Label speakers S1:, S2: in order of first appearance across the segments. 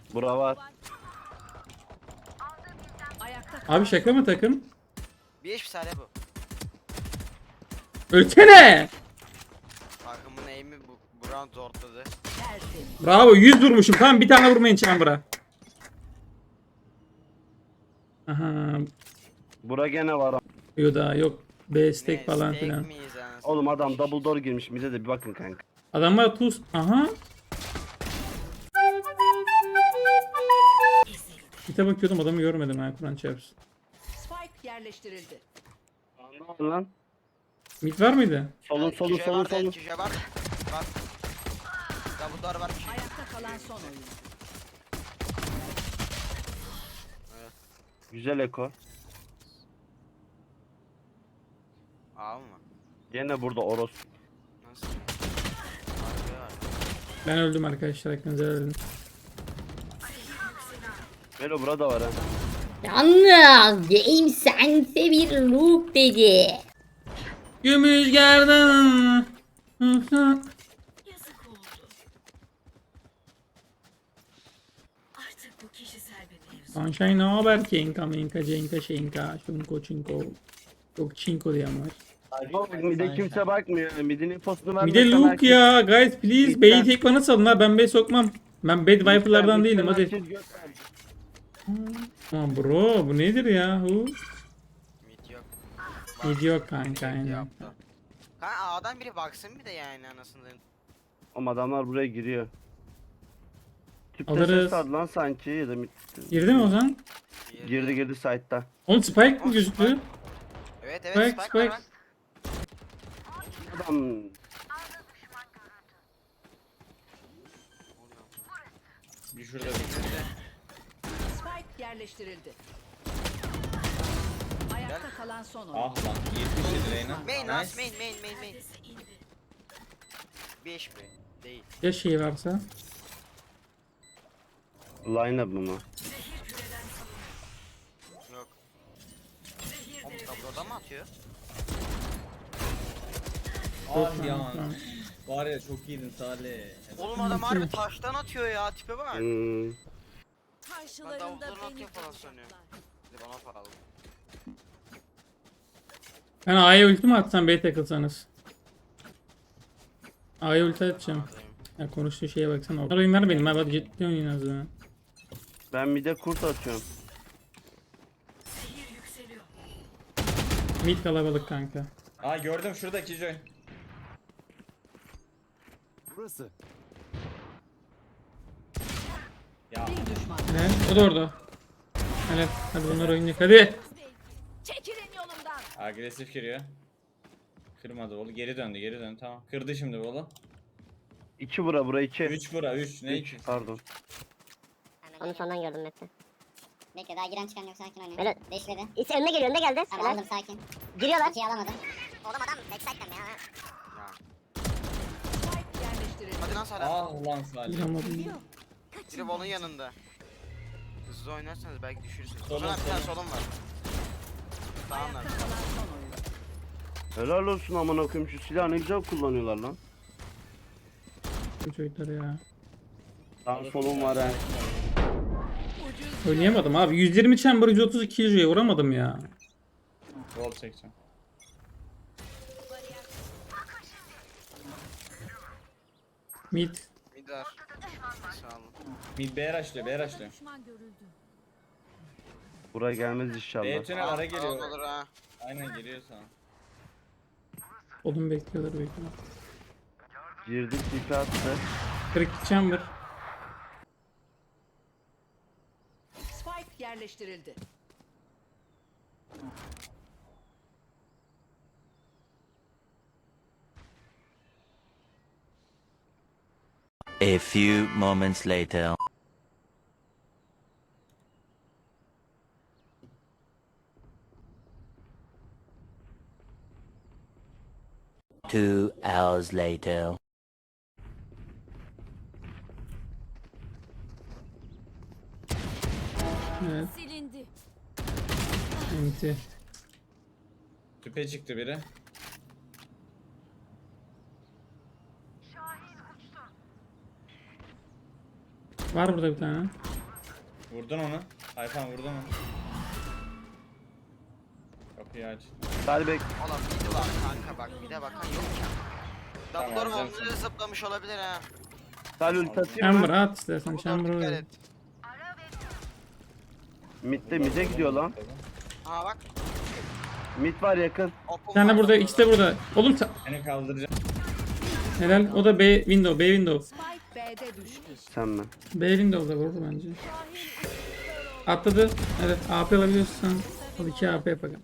S1: Bura var.
S2: Abi şaka mı takım?
S3: Bir eş bir saniye bu.
S2: Ölsene.
S3: Takımın aim'i bu round zorladı.
S2: Bravo 100 vurmuşum. Tamam bir tane vurmayın Chamber'a. Aha.
S1: Bura gene var.
S2: Yok daha yok. B stack
S3: Ne,
S2: falan
S3: steak
S2: filan.
S3: miyiz anasını?
S1: Oğlum adam double door girmiş. Bize de bir bakın kanka.
S2: Adamlar tuz. Aha. Gite bakıyordum adamı görmedim ha Kur'an çarpsın.
S4: Spike yerleştirildi.
S1: Anladın lan.
S2: Mid var mıydı?
S1: Solun solun
S3: Köşe
S1: solun
S3: var,
S1: solun.
S3: köşe var. Var. Double door var.
S4: Ayakta kalan son oyun.
S1: Güzel eko.
S3: Aa mı?
S1: Gene burada Oros.
S3: Nasıl? Harbi var.
S2: Ben öldüm arkadaşlar hakkınızı helal edin.
S1: Melo burada var ha.
S5: Yalnız James sense bir loop dedi.
S2: Gümüş gerdan.
S4: Yazık oldu. Artık bu kişisel bir mevzu.
S2: Sunshine ne haber Kenka Menka Cenka Şenka Şunko Çinko. Yok Çinko diyen var.
S1: Oğlum mide kimse bakmıyor. Midin infosunu
S2: Bir de
S1: vermezsen
S2: Luke
S1: herkes-
S2: ya guys please
S1: Lütfen.
S2: B'yi tek bana salın ha ben B sokmam. Ben bad wiper'lardan değilim hadi.
S1: Herkes göt verdi.
S2: Aman bro bu nedir ya hu?
S3: Mid yok.
S2: Mid yok kanka
S3: Mid
S2: aynen.
S3: yaptı. Kanka A'dan biri baksın bir de yani anasını.
S1: Oğlum adamlar buraya giriyor. Tüpte
S2: Alırız.
S1: ses vardı lan sanki ya da
S2: Girdi mi o zaman?
S1: girdi site'da.
S2: Oğlum Spike mi
S3: Oğlum,
S2: gözüktü?
S3: Evet
S2: Spike,
S3: evet Spike var.
S1: Adam
S6: Bir şurada bir.
S4: Spike yerleştirildi. Ayakta kalan son oyun.
S6: Ah lan 77 Reyna.
S3: Main
S6: Nice.
S3: last main. Bir eş mi? Değil.
S2: Ya şey varsa.
S1: line up mı?
S3: Yok. Oğlum tabloda mı atıyor?
S6: Ah ya.
S2: Tamam.
S6: Var ya çok iyiydin Salih.
S3: Oğlum adam harbi taştan atıyor ya tipe bak.
S1: Hmm.
S3: Ben
S4: Karşılarında
S3: davulların
S4: beni
S3: atıyor falan sanıyorum.
S4: bulacaklar.
S3: Bir de bana pahalı.
S2: Ben A'ya ulti mi atsam B'ye takılsanız? A'ya ulti atacağım. Ya konuştuğu şeye baksana. Oyun ver benim abi hadi ciddi oynayın az daha.
S1: Ben mide kurt atıyorum.
S2: Mid kalabalık kanka.
S6: Aa gördüm şuradaki Joy.
S7: Burası.
S6: Ya
S4: Bir düşman.
S2: Ne? O da orada. Hadi, hadi bunlar oynayacak hadi.
S4: Çekilin yolumdan.
S6: agresif giriyor. Kırmadı oğlu. Geri döndü tamam. Kırdı şimdi oğlu.
S1: 2 bura 2.
S6: 3 bura 3 ne 2?
S1: Pardon.
S5: Onu sondan gördüm Mete.
S8: Bekle daha giren çıkan yok sakin oynayın.
S5: Böyle
S8: Beşledi.
S5: İşte önüne geliyor önüne geldi.
S8: Tamam
S5: Helal.
S8: aldım sakin.
S5: Giriyorlar.
S8: İkiyi alamadım. Oğlum adam backside'den ya.
S3: Ya.
S4: Spike yerleştirildi.
S3: Hadi lan Salih.
S6: Ah lan Salih.
S2: Vuramadım.
S3: Biri onun yanında. Hızlı oynarsanız belki düşürürsünüz.
S6: Solun,
S3: Solun bir tane
S6: solun.
S3: solun var. Tamam lan.
S4: Ayakta kalan son oyun.
S1: Helal olsun aman okuyum şu silahı ne güzel kullanıyorlar lan.
S2: Bu çocuklar ya.
S1: Tam solum var ha.
S2: Oynayamadım abi. 120 chamber 132 killjoy'a vuramadım ya.
S6: Roll çekeceğim.
S2: Mid.
S3: Midar. Sağ olun.
S6: Mid B rushlıyor B rushlıyor.
S4: Düşman görüldü.
S1: Buraya gelmez
S6: B
S1: inşallah.
S6: tünel ara
S3: Tamam
S6: geliyor.
S3: olur ha.
S6: Aynen geliyor sana.
S2: Oğlum bekliyorlar bekliyorlar.
S1: Girdik tipi attı.
S2: 42 chamber.
S4: Spike yerleştirildi.
S9: A few moments later. Two hours later.
S2: Evet.
S4: Silindi.
S2: Enti.
S6: Tüpe çıktı biri.
S2: Var burada bir tane.
S6: Vurdun onu. Hayfan vurdun onu. Kapıyı aç.
S1: Salih bek.
S3: Oğlum midi var kanka bak mide bakan yok ya.
S6: Tamam,
S3: Dumbledore
S6: alacağım
S3: onları zıplamış olabilir ha.
S1: Salih ulti atayım
S2: Chamber
S1: mı?
S2: at istersen
S3: Dumbledore
S2: chamber
S3: dikkat
S2: öyle.
S3: et.
S1: Mid'de gidiyor lan.
S3: Aha bak.
S1: Mid var yakın.
S3: Open
S2: Bir tane
S3: var
S2: burada, ikisi de burada. Oğlum
S6: Seni kaldıracağım.
S2: helal. O da B window, B window.
S4: Spike B'de düştü.
S1: Sen mi?
S2: B window'da vurdu bence. Atladı. Evet, AP alabiliyorsan o 2 AP yapalım.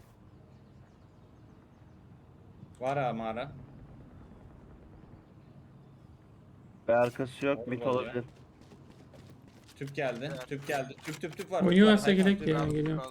S6: Var ha mağara.
S1: Ve arkası yok. Mid
S6: Olmadı
S1: olabilir.
S6: Tüp geldi.
S3: Evet.
S6: Tüp geldi. Tüp var.
S2: Oynuyorlarsa
S6: Hayfan,
S2: gerek
S6: tüp
S2: ya
S6: var.
S2: geliyor.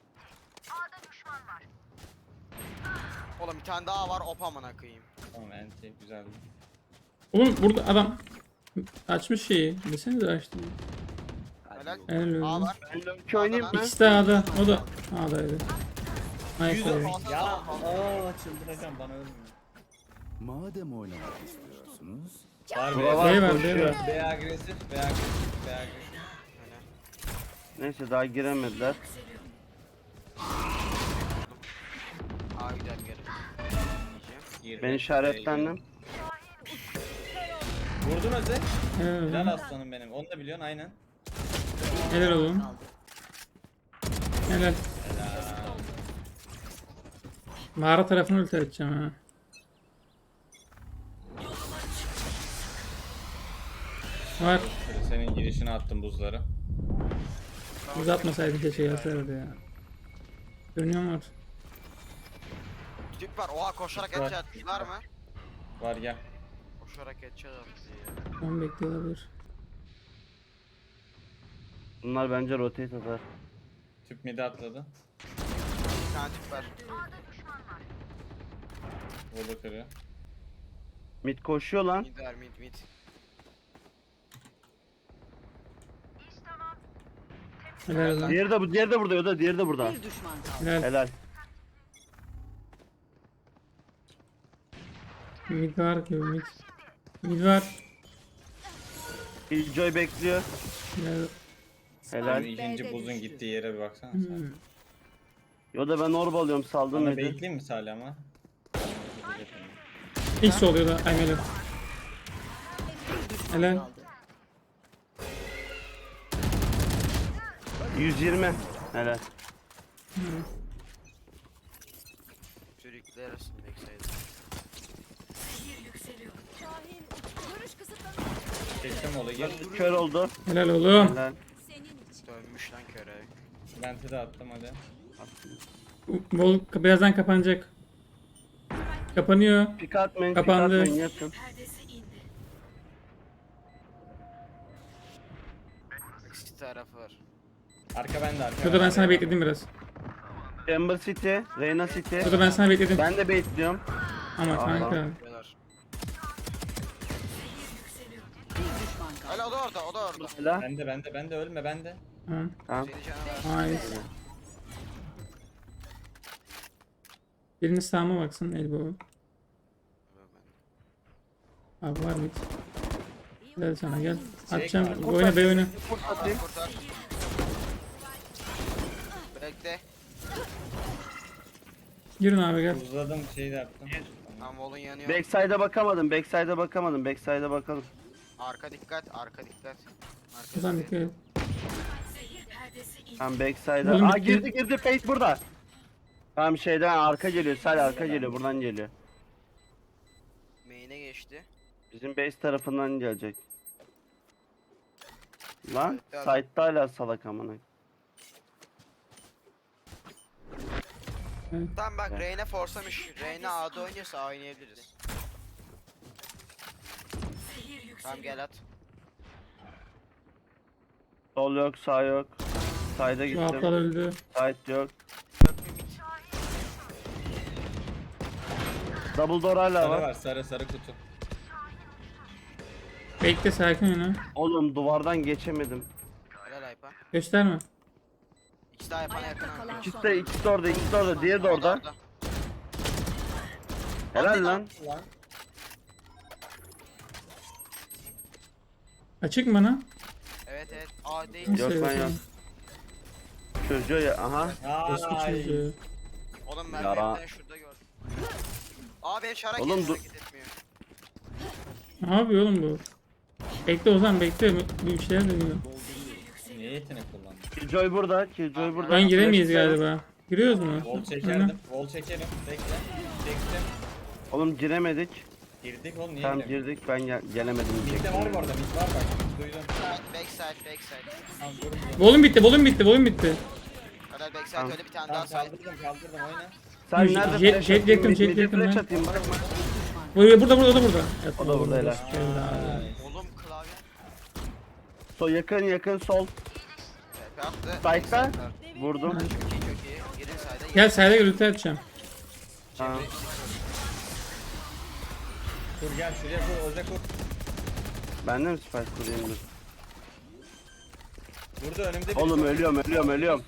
S3: Oğlum bir tane daha var op amına koyayım.
S6: Tamam enti güzeldi.
S2: Oğlum burada adam açmış şeyi. Desenize açtı.
S3: Helal.
S2: Helal
S3: A
S2: olsun.
S3: var.
S1: Ben Loki oynayayım mı?
S2: İkisi de A'da. O da A'daydı. Nice abi.
S6: Ya aa çıldıracağım bana ölmüyor.
S7: Madem oynamak istiyorsunuz,
S6: Var
S1: Bura var,
S2: B var, B
S1: koşuyor.
S2: var.
S6: B agresif. B agresif. B agresif.
S1: Neyse daha giremediler.
S3: A gider geri. Diyeceğim.
S6: Girdi.
S1: Ben işaretlendim.
S6: Vurdun Öze.
S2: Helal
S6: Helal
S2: oğlum.
S6: aslanım benim. Onu da biliyorsun aynen.
S2: Helal oğlum. Helal. Mağara tarafını ulti edeceğim ha. Var.
S6: Senin girişine attım buzları.
S2: Uzatmasaydın keşke gelseydi ya. Dönüyor mu?
S3: Tüp var. Oha koşarak
S6: Var.
S3: headshot var mı?
S6: Var gel.
S3: Koşarak headshot attı ya.
S2: Tam bekliyor olabilir.
S1: Bunlar bence rotate atar.
S6: Tüp midi atladı.
S3: Bir tane tüp var.
S6: Vurdu kırıyor.
S1: Mid koşuyor lan.
S3: Mid var mid.
S2: Helal lan.
S1: Diğeri de bu, diğeri de burada ya da diğeri de burada.
S4: Bir düşman kaldı.
S2: Helal.
S1: Helal.
S2: Mid var gibi mid. Mid var.
S1: Killjoy bekliyor.
S2: Helal.
S1: Helal.
S6: Benim ikinci
S4: B'de
S6: buzun
S4: düştü.
S6: gittiği yere bir baksana sen.
S2: Hmm.
S1: Yo da ben orb alıyorum saldım
S6: Bana
S1: midi.
S6: bekleyeyim mi Salih ama?
S2: X oluyor da. Ay helal. Helal.
S4: Kaldı.
S1: 120. Helal.
S3: Sürükler arasında bekseydi.
S4: Görüş kısıtlanıyor.
S6: Çektim ola gir.
S1: Kör oldu.
S2: Helal oğlum.
S1: Helal.
S3: Dönmüş lan köre.
S6: Lente de attım hadi.
S2: Bol birazdan kapanacak. Kapanıyor.
S1: Pik atmayın,
S2: Kapandı.
S1: pik atmayın yatın.
S3: İkisi tarafı var.
S6: Arka bende arka.
S2: Burada ben sana bekledim biraz.
S1: Chamber City, Reyna City.
S2: Burada ben sana bekledim.
S1: Ben de bekliyorum.
S2: Ama
S1: Aa,
S2: kanka.
S3: Diyorlar.
S4: Bir düşman kaldı.
S3: Hala o da orada o da orada.
S1: Helal.
S6: Bende ölme bende.
S2: Tamam.
S1: Tamam.
S3: Seni canavar.
S2: Nice. Biriniz sağıma baksın elbow. Abi var mı? Gel sana gel. Atacağım. Oyna B oyna.
S1: Kurt atayım.
S3: Kurtar. Bekle.
S2: Girin abi gel.
S6: Buzladım şeyi de attım.
S3: Tam volun yanıyor.
S1: Backside'a bakamadım, backside'a bakamadım, backside'a bakalım.
S3: Arka dikkat, arka dikkat. Arka
S2: Buradan
S3: dikkat.
S2: dikkat et.
S1: Tamam backside'a.
S2: Oğlum
S1: Aa
S2: bitti.
S1: girdi, Fate burada. Tamam şeyden arka geliyor, Salih arka geliyor, buradan geliyor.
S3: Main'e geçti.
S1: Bizim base tarafından gelecek. Lan
S3: Side'da adam.
S1: side'da hala salak amına.
S3: Tamam bak Reyna forsamış. Reyna A'da oynuyorsa A oynayabiliriz. Tamam gel at.
S1: Sol yok, sağ yok. Side'a
S2: Bu
S1: gittim.
S2: aptal öldü.
S1: Side yok.
S3: Yok bir mid.
S1: Double door hala
S6: Sarı
S1: var.
S6: var sarı kutu.
S2: Bekle sakin oyna.
S1: Oğlum duvardan geçemedim.
S3: Helal Aypa.
S2: Gösterme.
S3: İkisi daha yapana
S4: Ayakta
S3: yakın.
S4: kalan
S1: İkisi
S4: son.
S1: de, ikisi de orada, ikisi de orada. Diğeri de orada. Helal lan.
S2: Açık mı bana?
S3: Evet. Evet. A değil.
S1: Yok ben yok. Çocuğu ya aha.
S2: Eski
S6: Ay.
S2: çocuğu.
S3: Oğlum
S1: Yara.
S3: merdivenleri şurada gördüm. Aa benim şarak
S1: Oğlum,
S3: hareket etmiyor.
S2: Ne yapıyor oğlum bu? Bekle Ozan bekle. Bir şeyler dönüyor.
S6: Niye yetenek kullandın?
S1: Killjoy burada. Killjoy burada.
S2: Ben giremeyiz
S1: Flash
S2: galiba. Giriyoruz mu?
S6: Vol çekerdim. Vol çekerim. Bekle. Çektim.
S1: Oğlum giremedik.
S6: Girdik oğlum niye
S1: Tam
S6: giremiyoruz?
S1: girdik ben gelemedim
S6: Mid'de
S1: diyecektim.
S6: var bu arada. Mid var bak. Duydum.
S3: Backside.
S6: Tamam durun.
S2: Volüm bitti, volüm bitti, volüm bitti.
S3: Kadar backside
S1: Tamam.
S3: öyle bir tane daha
S6: Tamam
S3: side.
S6: kaldırdım oyna.
S1: Sen
S2: Jet-
S1: nerede
S2: jet
S1: flash
S2: yakın,
S1: atayım?
S2: jet
S1: Mid'e
S2: yakın
S1: flash
S2: lan.
S1: atayım bak.
S2: Burada, o da burada.
S1: O da burada, helal.
S6: Ay.
S3: Oğlum klavye.
S1: Sol yakın sol.
S3: TP attı.
S1: Side'da.
S3: Backside.
S1: Vurdum.
S3: Çok iyi. Girin side'a.
S2: Gel sayda gürültü atacağım.
S1: Tamam.
S6: Kur gel şuraya kur. Oza kur.
S1: Ben de mi spike kurayım dur.
S6: Burada önümde bir
S1: Oğlum ölüyorum.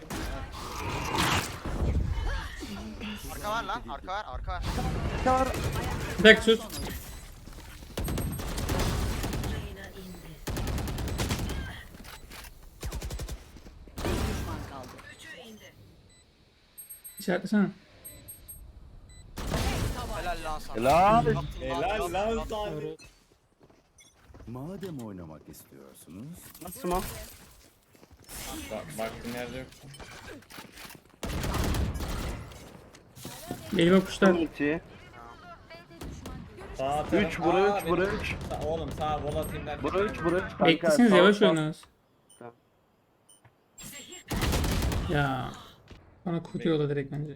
S3: Arka var lan. Arka var.
S2: Bir dakika sus.
S4: Düşman kaldı.
S2: İşaretlesene.
S3: Helal lan sana.
S1: Helal.
S6: Helal lan sana.
S7: Madem oynamak istiyorsunuz,
S1: Nasıl mı?
S6: Baktım yerde yok.
S2: Elime kuşlar.
S1: Ulti.
S6: Sağ taraf.
S1: 3 bura
S6: Aa,
S1: 3 bura
S6: benim-
S1: 3.
S6: Oğlum sağ vol atayım derken.
S1: Bura 3 bura 3.
S2: Beklesiniz yavaş
S1: oyna.
S2: oynarız.
S1: Tamam.
S2: Ya. Bana kutuyorlar direkt bence.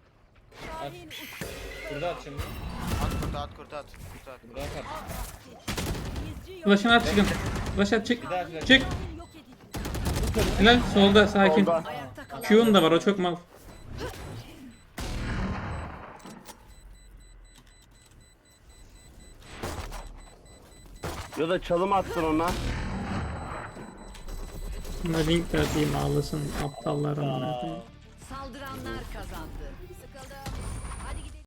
S6: Burada at şimdi.
S3: At kurt.
S6: Burada at.
S2: Flash'ını at çıkın. Flash at çık.
S6: Bir daha flash.
S2: Çık. Helal solda sakin.
S1: Solda.
S4: Ayakta kalan
S2: Q'un da var o çok mal.
S1: Ya da çalım attın ona.
S2: Buna link de atayım ağlasın aptallar amına koyayım.
S4: saldıranlar kazandı. Sıkıldım.